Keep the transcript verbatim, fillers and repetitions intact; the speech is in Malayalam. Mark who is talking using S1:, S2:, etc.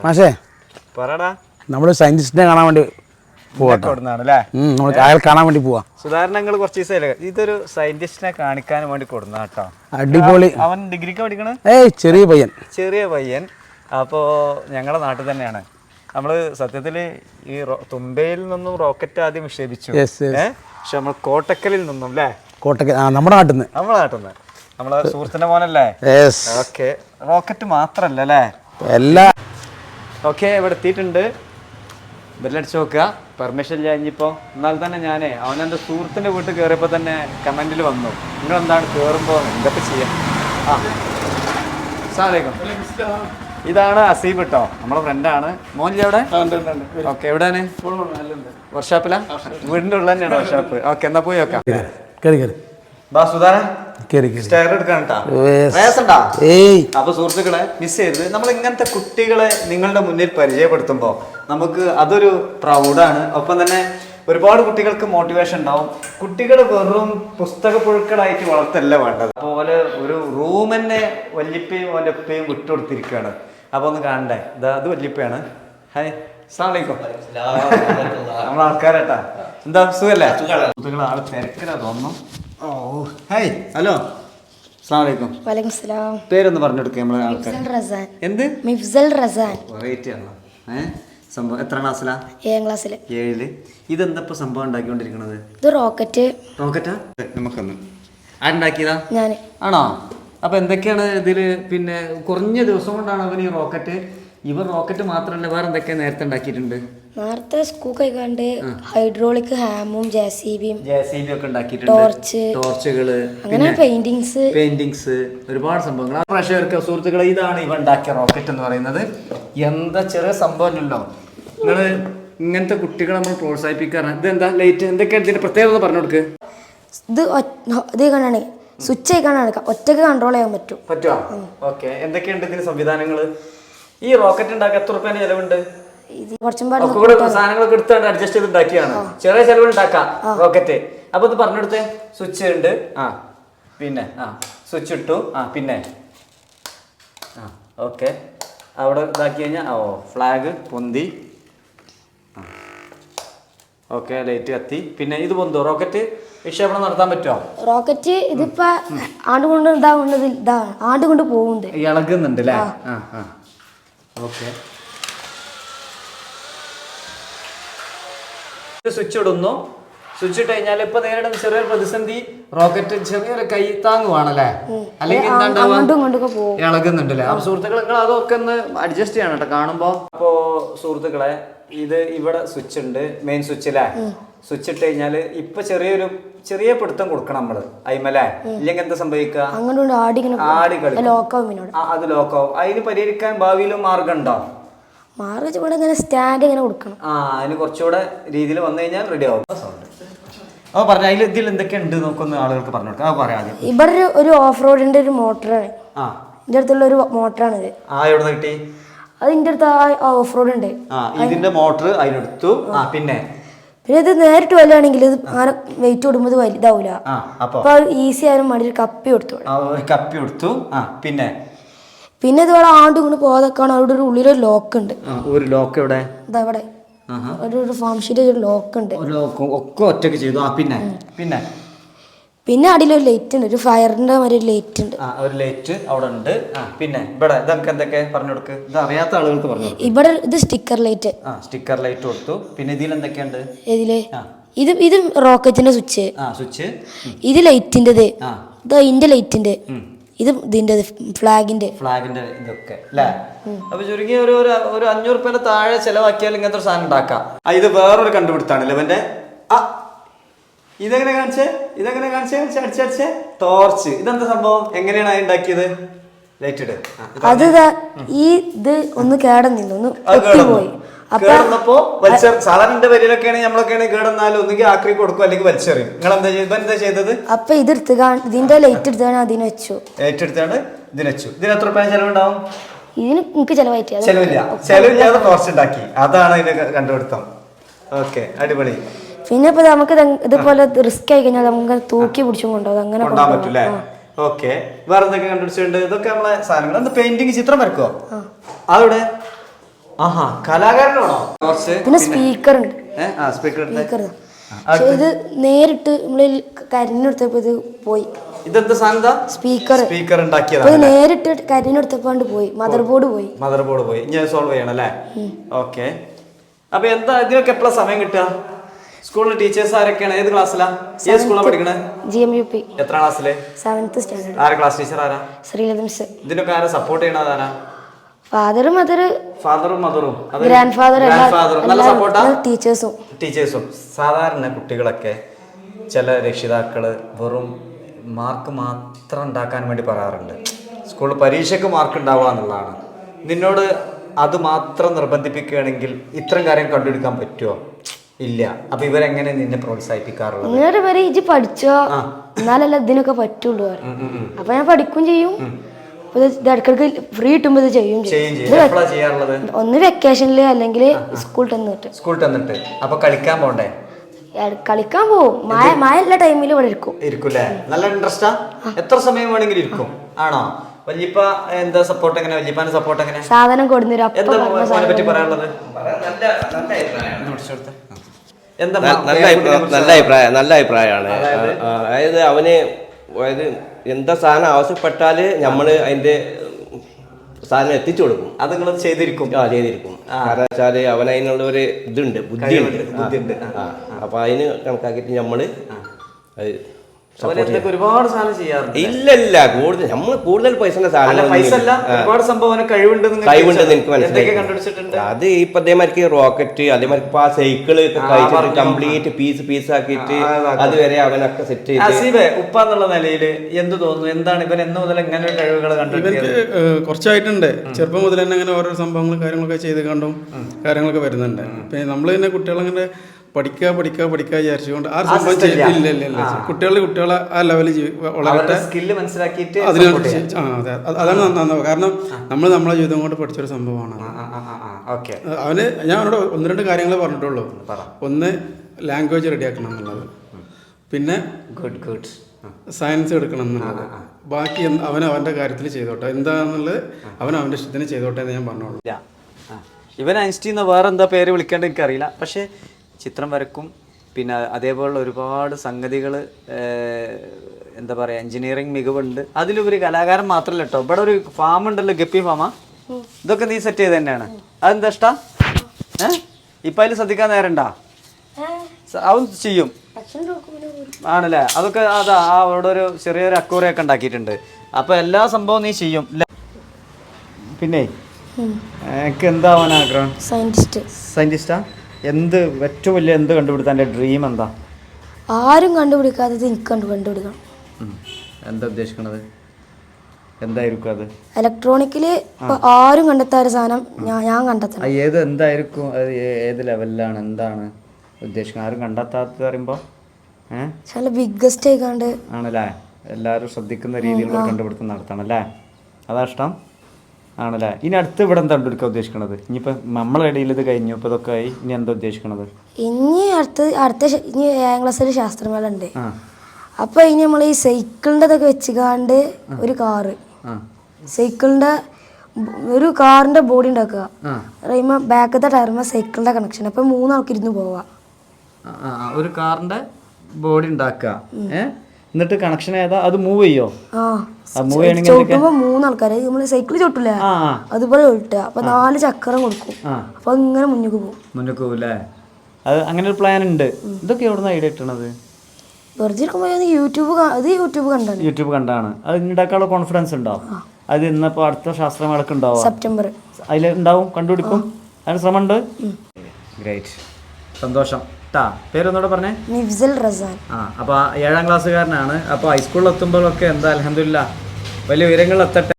S1: മാഷേ
S2: പറടാ,
S1: നമ്മള് സയന്റിസ്റ്റിനെ കാണാൻ വേണ്ടി പോവാണല്ലേ? നമ്മൾ അയാൾ കാണാൻ വേണ്ടി പോവാ.
S2: സുധാരണങ്ങൾ കുറച്ച് ദിവസമല്ലേ ഇതൊരു സയന്റിസ്റ്റിനെ കാണിക്കാൻ വേണ്ടി കൊടുന്ന കേട്ടോ.
S1: അടിപൊളി.
S2: അവൻ ഡിഗ്രിക്ക് പഠിക്കണ
S1: ഏയ് ചെറിയ പയ്യൻ
S2: ചെറിയ പയ്യൻ അപ്പോൾ ഞങ്ങളുടെ നാട്ടിൽ തന്നെയാണ്. നമ്മൾ സത്യത്തിൽ ഈ തുമ്പയിൽ നിന്നും റോക്കറ്റ് ആദ്യം വിക്ഷേപിച്ചു. ഏഹ് പക്ഷെ നമ്മൾ കോട്ടക്കലിൽ നിന്നും അല്ലേ?
S1: കോട്ടക്കൽ നമ്മുടെ നാട്ടിൽ നിന്ന്
S2: നമ്മുടെ നാട്ടിൽ നിന്ന് നമ്മളെ സുഹൃത്തിന്റെ മോനല്ലേ? ഓക്കെ, റോക്കറ്റ് മാത്രല്ല അല്ലേ
S1: എല്ലാ.
S2: ഓക്കെ, ഇവിടെ എത്തിയിട്ടുണ്ട്. ബെല്ലടിച്ച് നോക്കുക. പെർമിഷൻ കഴിഞ്ഞപ്പോൾ എന്നാൽ തന്നെ ഞാനേ അവനെൻ്റെ സുഹൃത്തിൻ്റെ വീട്ടിൽ കയറിയപ്പോൾ തന്നെ കമൻറ്റിൽ വന്നു, നിങ്ങൾ എന്താണ് കയറുമ്പോൾ എന്തൊക്കെ ചെയ്യാം. ആ അസ്സലാമു അലൈക്കും. ഇതാണ് അസീബ് കേട്ടോ, നമ്മളെ ഫ്രണ്ടാണ്. മോനിൽ എവിടെ? ഓക്കെ, എവിടെയാണ്? വർക്ക്ഷോപ്പിലാ? വീടിൻ്റെ ഉള്ള തന്നെയാണ് വർക്ക്ഷോപ്പ്. ഓക്കെ, എന്നാ പോയി നോക്കാം.
S1: കയറി കയറി
S2: ബാ സുധാരൻ, അപ്പൊ സുഹൃത്തുക്കളെ മിസ് ചെയ്തത് നമ്മൾ ഇങ്ങനത്തെ കുട്ടികളെ നിങ്ങളുടെ മുന്നിൽ പരിചയപ്പെടുത്തുമ്പോൾ നമുക്ക് അതൊരു പ്രൗഡാണ്. ഒപ്പം തന്നെ ഒരുപാട് കുട്ടികൾക്ക് മോട്ടിവേഷൻ ഉണ്ടാവും. കുട്ടികൾ വെറും പുസ്തക പുഴുക്കളായിട്ട് വളർത്തല്ല വേണ്ടത്. അതുപോലെ ഒരു റൂം തന്നെ വല്യപ്പയും അവൻ്റെ ഉപ്പയും വിട്ടുകൊടുത്തിരിക്കുകയാണ്. അപ്പൊ ഒന്ന് കാണണ്ടേ? ഇതാ അത് വല്യപ്പയാണ്. ഹായ്, അസ്സലാമു അലൈക്കും. നമ്മളെ ആൾക്കാരേട്ടാ. എന്താ സുഖല്ലേ? സുഹൃത്തുക്കളെ ആള് തിരക്കിലാ തോന്നുന്നു. ഓ ഹായ്, ഹലോ, അസ്സലാമു അലൈക്കും.
S3: വലൈക്കും സലാം.
S2: പേരൊന്ന് പറഞ്ഞു കൊടുക്കുക നമ്മളെ ആൾക്കാർ.
S3: റസാൻ.
S2: എന്ത്?
S3: മിഫ്സൽ റസാൻ.
S2: വെറൈറ്റി ആണല്ലോ. ഏഹ് സംഭവം എത്ര ക്ലാസ്സിലാ?
S3: ഏഴാം ക്ലാസ്സില്.
S2: ഏഴില്. ഇതെന്താ ഇപ്പൊ സംഭവം ഉണ്ടാക്കിക്കൊണ്ടിരിക്കണത്?
S3: ഇത് റോക്കറ്റ്.
S2: റോക്കറ്റാ? നമുക്കൊന്ന് ആരുണ്ടാക്കിയതാ?
S3: ഞാൻ.
S2: ആണോ? അപ്പൊ എന്തൊക്കെയാണ് ഇതില്? പിന്നെ കുറഞ്ഞ ദിവസം കൊണ്ടാണ് അവൻ ഈ റോക്കറ്റ്. ഇവർ റോക്കറ്റ് മാത്രമല്ല വേറെ എന്തൊക്കെയാ നേരത്തെ ഉണ്ടാക്കിയിട്ടുണ്ട്?
S3: നേരത്തെ സ്കൂൾ കഴിക്കാണ്ട് ഹൈഡ്രോളിക് ഹാമും ജെ സി ബിയും
S2: ജെ സി ബി ഒക്കെ ഉണ്ടാക്കിയിട്ടുണ്ട്.
S3: ടോർച്ച്,
S2: ടോർച്ചുകള്,
S3: അങ്ങനെ പെയിന്റിങ്സ്
S2: പെയിന്റിങ്സ് ഒരുപാട് സംഭവങ്ങൾ. ആ പ്രേക്ഷകർക്ക് സുഹൃത്തുക്കളെ ഇതാണ് ഇവ ഉണ്ടാക്കിയ റോക്കറ്റ് എന്ന് പറയുന്നത്. എന്താ ചെറിയ സംഭവമല്ലല്ലോ. നിങ്ങള് ഇങ്ങനത്തെ കുട്ടികളെ നമ്മൾ പ്രോത്സാഹിപ്പിക്കാറാണ്. ഇത് എന്താ ലൈറ്റ് എന്തൊക്കെയാണ് ഇതിന്റെ പ്രത്യേകത പറഞ്ഞു കൊടുക്ക്.
S3: ഇത് ഇത് കാണാണ് സ്വിച്ച് ആയിക്കാണാണ് ഒറ്റക്ക് കൺട്രോൾ ചെയ്യാൻ പറ്റും.
S2: പറ്റുമോ? ഓക്കെ, എന്തൊക്കെയുണ്ട് ഇതിന് സംവിധാനങ്ങള്? ഈ റോക്കറ്റ് ഉണ്ടാക്കാൻ എത്ര റുപ്യേന്റെ ചെലവുണ്ട്? സാധനങ്ങളൊക്കെ എടുത്താണ്ട് അഡ്ജസ്റ്റ് ചെയ്ത് ഉണ്ടാക്കിയാണ്. ചെറിയ ചെലവ് ഉണ്ടാക്കാം റോക്കറ്റ്. അപ്പൊ ഇത് പറഞ്ഞെടുത്തേ. സ്വിച്ച് ഉണ്ട്. ആ പിന്നെ ആ സ്വിച്ച് ഇട്ടു. ആ പിന്നെ ആ ഓക്കെ, അവിടെ ഇതാക്കി കഴിഞ്ഞാൽ ഓ ഫ്ലാഗ് പൊന്തി. ഓക്കെ, ലൈറ്റ് കത്തി. പിന്നെ ഇത് പൊന്തോ? റോക്കറ്റ് വിക്ഷേപണം നടത്താൻ പറ്റുമോ?
S3: റോക്കറ്റ് ഇതിപ്പോ ആണ്ട് കൊണ്ട് ഇതാവുന്നത് ഇതാ ആണ്ട് കൊണ്ട് പോകുന്നുണ്ട്,
S2: ഇളകുന്നുണ്ട് അല്ലേ? ആ ആ ഓക്കെ, സ്വിച്ച് ഇടുന്നു. സ്വിച്ച് ഇട്ട് കഴിഞ്ഞാൽ ഇപ്പൊ നേരിടുന്ന ചെറിയൊരു പ്രതിസന്ധി, റോക്കറ്റ് ചെറിയൊരു കൈ താങ്ങുവാണല്ലേ? അല്ലെങ്കിൽ ഇളകുന്നുണ്ട് അല്ലേ? അപ്പൊ സുഹൃത്തുക്കളെ നിങ്ങൾ അതൊക്കെ ഒന്ന് അഡ്ജസ്റ്റ് ചെയ്യണം കേട്ടോ കാണുമ്പോ. അപ്പോ സുഹൃത്തുക്കളെ ഇത് ഇവിടെ സ്വിച്ച് ഉണ്ട്, മെയിൻ സ്വിച്ച് അല്ലേ? സ്വിച്ച് ഇട്ട് കഴിഞ്ഞാല് ഇപ്പൊ ചെറിയൊരു ചെറിയ പിടുത്തം കൊടുക്കണം നമ്മള് അയിമല്ലേ? ഇല്ലെങ്കിൽ എന്താ സംഭവിക്കുക? ആടി കളിക്കും. അത് ലോക്കാവും. അതിന് പരിഹരിക്കാൻ ഭാവിയിലും മാർഗം ഉണ്ടോ?
S3: സ്റ്റാൻഡ് ഇങ്ങനെ കൊടുക്കണം.
S2: ആ അതിന് കുറച്ചുകൂടെ രീതിയിൽ വന്നു കഴിഞ്ഞാൽ റെഡി ആവും. അപ്പൊ പറഞ്ഞ അതിൽ ഇതിൽ എന്തൊക്കെ ഉണ്ട് നോക്കൊന്ന് ആളുകൾക്ക് പറഞ്ഞു കൊടുക്കാം. പറയാം.
S3: ഇവിടെ ഒരു ഓഫ് റോഡിന്റെ ഒരു മോട്ടറാണ്. ആ ഇതിന്റെ അടുത്തുള്ള ഒരു മോട്ടറാണിത്.
S2: ആ എവിടെ നിന്ന് കിട്ടി?
S3: അത് ഇതിന്റെ അടുത്ത് ആ ഓഫ് റോഡ് ഉണ്ട്.
S2: ആ ഇതിന്റെ മോട്ടർ അതിനെടുത്തു. ആ പിന്നെ
S3: പിന്നെ ഇത് നേരിട്ട് വലുതാണെങ്കിൽ ഇത് അങ്ങനെ വെയിറ്റ് കൊടുക്കുമ്പോൾ വലുതാവൂല. അപ്പൊ ഈസി ആയാലും മടി ഒരു കപ്പി കൊടുത്തു.
S2: കപ്പി കൊടുത്തു. ആ പിന്നെ
S3: പിന്നെ ഇതുപോലെ ആണ്ട് കൊണ്ട് പോകാതൊക്കെയാണ് അവിടെ ഒരു ഉള്ളിലൊരു ലോക്ക് ഉണ്ട്.
S2: ഒരു ലോക്ക് എവിടെ?
S3: ഇതവിടെ ഒരു ഫാം ഷീറ്റ് ഒരു ലോക്ക് ഉണ്ട്.
S2: ഒക്കെ ഒറ്റക്ക് ചെയ്തു. ആ പിന്നെ പിന്നെ
S3: പിന്നെ അടിയിലൊരു ലൈറ്റ് ഉണ്ട്, ഒരു ഫയറിന്റെ മാതിരി ഒരു ലൈറ്റ് ഉണ്ട്.
S2: ഒരു ലൈറ്റ് അവിടെ ഉണ്ട്. പിന്നെ ഇവിടെ ഇതൊക്കെ എന്തൊക്കെ പറഞ്ഞു കൊടുക്ക്. ഇത് അറിയാത്ത ആളുകൾക്ക് പറഞ്ഞു.
S3: ഇവിടെ ഇത് സ്റ്റിക്കർ ലൈറ്റ്.
S2: ആ സ്റ്റിക്കർ ലൈറ്റ് കൊടുത്തു. പിന്നെ ഇതിൽ എന്തൊക്കെയുണ്ട്?
S3: ഇതില് ഇത് ഇത് റോക്കറ്റിന്റെ സ്വിച്ച്.
S2: ആ സ്വിച്ച്.
S3: ഇത് ലൈറ്റിന്റെത്. ഇത് ഇതിന്റെ ലൈറ്റിന്റെ. ഇത് ഇതിന്റെ ഫ്ലാഗിന്റെ
S2: ഫ്ലാഗിന്റെ ഇതൊക്കെ അല്ലേ? അപ്പൊ ചുരുങ്ങി ഒരു ഒരു അഞ്ഞൂറ് രൂപയുടെ താഴെ ചെലവാക്കിയാൽ ഇങ്ങനത്തെ ഒരു സാധനം ഉണ്ടാക്കാം. ഇത് വേറൊരു കണ്ടുപിടുത്താണ് ഇവന്റെ. ആ ഇതെങ്ങനെ കാണിച്ചേ? ഇതെങ്ങനെ കാണിച്ചേ? അടിച്ചടിച്ചേ ടോർച്ച്. ഇതെന്താ സംഭവം? എങ്ങനെയാണ് അത് ഉണ്ടാക്കിയത്? ലൈറ്റ് ഇട്.
S3: അത് ഈ ഇത് ഒന്ന് കേടന്നില്ല, ഒന്ന് പോയി.
S2: കേടന്നപ്പോ വലിച്ചെറി. സാധാരണ വരിയിലൊക്കെയാണ് നമ്മളൊക്കെയാണ് കേടന്നാലും ഒന്നുകിൽ ആക്രി കൊടുക്കും അല്ലെങ്കിൽ വലിച്ചെറിയും. നിങ്ങൾ എന്താ ചെയ്ത് എന്താ ചെയ്തത്?
S3: അപ്പൊ ഇത് ഇതിന്റെ ലൈറ്റ് എടുത്താണ് അതിന് വെച്ചു.
S2: ലൈറ്റ് എടുത്താണ് ഇതിന് വെച്ചു. ഇതിന് എത്ര രൂപ ചെലവുണ്ടാവും?
S3: ഇതിന് എനിക്ക് ചെലവായിട്ട്
S2: ചെലവില്ല. ചെലവില്ലാതെ ടോർച്ച് ഉണ്ടാക്കി. അതാണ് ഇതിന്റെ കണ്ടുപിടുത്തം. ഓക്കെ, അടിപൊളി.
S3: പിന്നെ ഇപ്പൊ നമുക്ക് ഇതുപോലെ റിസ്ക് ആയി കഴിഞ്ഞാൽ നമുക്ക് തൂക്കി പിടിച്ചും കൊണ്ടുപോകും. അങ്ങനെ
S2: കൊണ്ടാൻ പറ്റൂലേ? ഓക്കെ, വേറെ എന്തൊക്കെ കണ്ടുപിടിച്ചിട്ടുണ്ട്? ഇതൊക്കെ നമ്മളെ സാധനങ്ങൾ. എന്താ പെയിന്റിങ് ചിത്രം വരക്കോ? അതവിടെ ആഹാ കലാകാരനാണോ കുറച്ച്?
S3: പിന്നെ സ്പീക്കർ ഉണ്ട്,
S2: സ്പീക്കർ
S3: സ്പീക്കർ. പക്ഷെ ഇത് നേരിട്ട് നമ്മളിൽ കരിഞ്ഞെടുത്തപ്പോ ഇത് പോയി.
S2: ഇതെന്താ സാധനം?
S3: സ്പീക്കർ.
S2: സ്പീക്കർ
S3: ഇത്
S2: ഉണ്ടാക്കിയതാണ്.
S3: നേരിട്ട് കരിഞ്ഞെടുത്തപ്പോണ്ട് പോയി, മദർ ബോർഡ് പോയി.
S2: മദർ ബോർഡ് പോയി. ഇനി സോൾവ് ചെയ്യണം അല്ലേ? ഓക്കെ. അപ്പൊ എന്താ ഇതിനൊക്കെ എപ്പോഴാ സമയം കിട്ടുക? സ്കൂളിലെ ടീച്ചേഴ്സ് ആരൊക്കെയാണ്? ഏത് ക്ലാസ്സിലാ? ഏത് സ്കൂളിലാണ് പഠിക്കണേ?
S3: G M U P.
S2: എത്ര ക്ലാസ്സില്?
S3: Seventh standard.
S2: ആരാ ക്ലാസ് ടീച്ചർ? ആരാ?
S3: ശ്രീലത മിസ്.
S2: ഇതിനൊക്കെ ആരാ സപ്പോർട്ട് ചെയ്യണത്? ആരാ?
S3: ഫാദറും മദർ,
S2: ഫാദറും മദറും
S3: ഗ്രാൻഡ് ഫാദർ,
S2: നല്ല സപ്പോർട്ടാ.
S3: ടീച്ചേഴ്സും
S2: ടീച്ചേഴ്സും സാധാരണ കുട്ടികളൊക്കെ ചില രക്ഷിതാക്കള് വെറും മാർക്ക് മാത്രം ഉണ്ടാക്കാൻ വേണ്ടി പറയാറുണ്ട്. സ്കൂളിൽ പരീക്ഷയ്ക്ക് മാർക്ക് ഉണ്ടാവുക എന്നുള്ളതാണ്. നിന്നോട് അത് മാത്രം നിർബന്ധിപ്പിക്കുകയാണെങ്കിൽ ഇത്തരം കാര്യം കണ്ടുപിടിക്കാൻ പറ്റുമോ? ഇല്ല. അപ്പൊ ഇവരെങ്ങനെ നിന്നെ പ്രോത്സാഹിപ്പിക്കാറുള്ളത്?
S3: ഇങ്ങനെ പറയും ഇജ്ജ് പഠിച്ചോ, എന്നാലല്ല ഇതിനൊക്കെ പറ്റുള്ളൂ. അപ്പൊ ഞാൻ പഠിക്കും ചെയ്യും. ഇടക്കിടക്ക് ഫ്രീ കിട്ടുമ്പോ ഇത് ചെയ്യും. ഒന്ന് വെക്കേഷനില് അല്ലെങ്കിൽ സ്കൂൾ തന്നിട്ട്.
S2: സ്കൂൾ തന്നിട്ട്. അപ്പൊ കളിക്കാൻ പോണ്ടേ?
S3: കളിക്കാൻ പോവും. മഴ മഴ എല്ലാ ടൈമിലും ഇവിടെ ഇരിക്കും.
S2: ഇരിക്കൂലേ? നല്ല ഇൻട്രസ്റ്റാ? എത്ര സമയം വേണമെങ്കിലും ഇരിക്കും. ആണോ? വല്യപ്പ എന്താ സപ്പോർട്ട്? എങ്ങനെ വല്യപ്പാന്റെ സപ്പോർട്ട് എങ്ങനെ?
S3: സാധനം കൊടുന്നേരും.
S2: എന്താ മോനെ പറ്റി പറയാനുള്ളത്? എന്താ
S4: നല്ല അഭിപ്രായം നല്ല അഭിപ്രായമാണ്. അതായത് അവന് അതായത് എന്താ സാധനം ആവശ്യപ്പെട്ടാല് നമ്മള് അതിന്റെ സാധനം എത്തിച്ചു കൊടുക്കും.
S2: അത് നിങ്ങൾ ചെയ്തിരിക്കും? ആ ചെയ്തിരിക്കും.
S4: കാരണം വെച്ചാല് അവൻ അതിനുള്ള ഒരു ഇതുണ്ട്, ബുദ്ധിയുണ്ട്. അപ്പൊ അതിന് കണക്കാക്കിയിട്ട് നമ്മള് അത്
S2: ഒരുപാട് സാധനം ചെയ്യാറുണ്ട്.
S4: ഇല്ല ഇല്ല കൂടുതൽ നമ്മൾ കൂടുതൽ പൈസ
S2: ഒരുപാട് സംഭവം കഴിവുണ്ട്
S4: കഴിവുണ്ട് എനിക്ക് മനസ്സിലായി. അത് ഇപ്പൊ അതേമാതിരി റോക്കറ്റ്, അതേമാതിരി ഇപ്പൊ ആ സൈക്കിള് കഴിച്ചിട്ട് കംപ്ലീറ്റ് പീസ് പീസ് ആക്കിയിട്ട് അതുവരെ അവനൊക്കെ സെറ്റ് ചെയ്ത്.
S2: ഉപ്പ എന്നുള്ള നിലയിൽ എന്ത് തോന്നുന്നു? എന്താണ് ഇവൻ എന്ന് മുതൽ എങ്ങനെ കഴിവുകൾ കണ്ടിട്ട്?
S1: കുറച്ചായിട്ടുണ്ട്. ചെറുപ്പം മുതൽ തന്നെ അങ്ങനെ ഓരോ സംഭവങ്ങളും കാര്യങ്ങളൊക്കെ ചെയ്ത് കണ്ടും കാര്യങ്ങളൊക്കെ വരുന്നുണ്ട്. പിന്നെ നമ്മൾ തന്നെ കുട്ടികളങ്ങനെ പഠിക്കുക പഠിക്കുക പഠിക്കുക വിചാരിച്ചുകൊണ്ട് ആ സംഭവം ഇല്ല ഇല്ല ഇല്ല കുട്ടികളുടെ കുട്ടികളെ ആ ലെവലിൽ വളരട്ടെ,
S2: സ്കില്ല് മനസ്സിലാക്കിയിട്ട്
S1: അതിനനുസരിച്ച്. ആ അതെ, അതാണ് നന്നാവുക. കാരണം നമ്മൾ നമ്മളെ ജീവിതം കൊണ്ട് പഠിച്ചൊരു സംഭവമാണ്. അവന് ഞാൻ അവനോട് ഒന്ന് രണ്ട് കാര്യങ്ങളെ പറഞ്ഞിട്ടുള്ളൂ. ഒന്ന് ലാംഗ്വേജ് റെഡിയാക്കണം എന്നുള്ളത്, പിന്നെ
S2: ഗുഡ് ഗുഡ്
S1: സയൻസ് എടുക്കണം എന്നുള്ളത്. ബാക്കി അവൻ അവൻ്റെ കാര്യത്തിൽ ചെയ്തോട്ടെ, എന്താണെന്നുള്ളത് അവൻ അവൻ്റെ ഇഷ്ടത്തിന് ചെയ്തോട്ടെ എന്ന് ഞാൻ പറഞ്ഞോളൂ.
S2: ഇവൻ ഐൻസ്റ്റീൻ വേറെ എന്താ പേര് വിളിക്കേണ്ടത് എനിക്കറിയില്ല. പക്ഷേ ചിത്രം വരക്കും, പിന്നെ അതേപോലുള്ള ഒരുപാട് സംഗതികൾ, എന്താ പറയുക, എൻജിനീയറിങ് മികവുണ്ട്. അതിലുപരി കലാകാരൻ മാത്രമല്ല കേട്ടോ. ഇവിടെ ഒരു ഫാം ഉണ്ടല്ലോ, ഗപ്പി ഫാമാ. ഇതൊക്കെ നീ സെറ്റ് ചെയ്ത് തന്നെയാണ്. അതെന്താ ഇഷ്ടാ? ഏഹ് ഇപ്പം അതിൽ ശ്രദ്ധിക്കാൻ നേരണ്ടാ? അവൻ ചെയ്യും ആണല്ലേ? അതൊക്കെ അതാ അവിടെ ഒരു ചെറിയൊരു അക്കൂറയൊക്കെ ഉണ്ടാക്കിയിട്ടുണ്ട്. അപ്പോൾ എല്ലാ സംഭവവും നീ ചെയ്യും. പിന്നെ എനിക്ക് എന്താവാൻ ആഗ്രഹം?
S3: സയന്റിസ്റ്റ്.
S2: സയന്റിസ്റ്റാ? എന്ത് ഏറ്റവും വലിയ എന്ത് കണ്ടുപിടുത്താൻ എൻ്റെ ഡ്രീം എന്താ?
S3: ആരും കണ്ടുപിടിക്കാത്തത് എനിക്ക് കണ്ടു കണ്ടുപിടിക്കണം.
S2: എന്താ ഉദ്ദേശിക്കണത്? എന്തായിരിക്കും അത്?
S3: ഇലക്ട്രോണിക്കില് ആരും കണ്ടെത്താത്ത സാധനം ഞാൻ ഞാൻ കണ്ടെത്തണം.
S2: ഏത് എന്തായിരിക്കും? ഏത് ലെവലിലാണ്? എന്താണ് ഉദ്ദേശിക്കുന്നത്? ആരും കണ്ടെത്താത്ത പറയുമ്പോൾ
S3: ഏഹ് ബിഗ്ഗസ്റ്റ് ആയിക്കാണ്ട്
S2: ആണല്ലേ? എല്ലാവരും ശ്രദ്ധിക്കുന്ന രീതിയിലുള്ള കണ്ടുപിടുത്തം നടത്തണം അല്ലേ? അതാ ഇഷ്ടം ആണല്ലേ? ഇനി അടുത്ത് ഇവിടെ എന്താ കണ്ടുപിടിക്കാൻ ഉദ്ദേശിക്കണത്? ഇനിയിപ്പോൾ നമ്മളെ ഇടയിൽ ഇത് കഴിഞ്ഞു, ഇപ്പോൾ ഇതൊക്കെ ആയി, ഇനി എന്താ ഉദ്ദേശിക്കണത്?
S3: ഇനി അടുത്ത അടുത്ത ഇനി ഏഴാം ക്ലാസ്സിൽ ശാസ്ത്രമേള ഉണ്ട്. അപ്പൊ ഇനി നമ്മൾ ഈ സൈക്കിളിൻ്റെ ഇതൊക്കെ വെച്ചുകാണ്ട് ഒരു കാറ്, സൈക്കിളിന്റെ ഒരു കാറിന്റെ ബോഡി ഉണ്ടാക്കുക, പറയുമ്പോ ബാക്കത്തെ ടയറുമ്പോ സൈക്കിളിന്റെ കണക്ഷൻ. അപ്പൊ മൂന്നാൾക്ക് ഇരുന്ന് പോവാ.
S2: ഒരു കാറിന്റെ ബോഡി ഉണ്ടാക്കുക, എന്നിട്ട് കണക്ഷൻ ഏതാ? അത് മൂവ് ചെയ്യോ?
S3: ചവിട്ടുമ്പോ മൂന്നാൾക്കാര് നമ്മള് സൈക്കിൾ ചവിട്ടില്ലേ അതുപോലെ ചവിട്ടുക. അപ്പൊ നാല് ചക്രം കൊടുക്കും. അപ്പൊ ഇങ്ങനെ മുന്നോട്ട് പോകും.
S2: മുന്നോട്ട് പോകൂല്ലേ? അത് അങ്ങനെ ഒരു പ്ലാൻ ഉണ്ട്. ഇതൊക്കെ എവിടെ നിന്ന് ഐഡിയ കിട്ടണത്?
S3: വെറുതെ യൂട്യൂബ് അത് യൂട്യൂബ് കണ്ടാണ്.
S2: യൂട്യൂബ് കണ്ടാണ്. അത് ഉണ്ടാക്കാനുള്ള കോൺഫിഡൻസ് ഉണ്ടോ? അത് ഇന്നിപ്പോ അടുത്ത ശാസ്ത്രമേളക്ക് ഉണ്ടാവും,
S3: സെപ്റ്റംബർ.
S2: അതിൽ ഉണ്ടാവും, കണ്ടുപിടിക്കും. അതിന് ശ്രമമുണ്ട്. ഗ്രേറ്റ്, സന്തോഷം. പേരൊന്നൂടെ പറഞ്ഞേ?
S3: നിഫ്സൽ റസാൻ.
S2: ആ അപ്പോൾ ഏഴാം ക്ലാസ്സുകാരനാണ്. അപ്പോൾ ഹൈസ്കൂളിൽ എത്തുമ്പോഴൊക്കെ എന്താ അൽഹംദുലില്ലാ വലിയ ഉയരങ്ങളിൽ എത്തട്ടെ.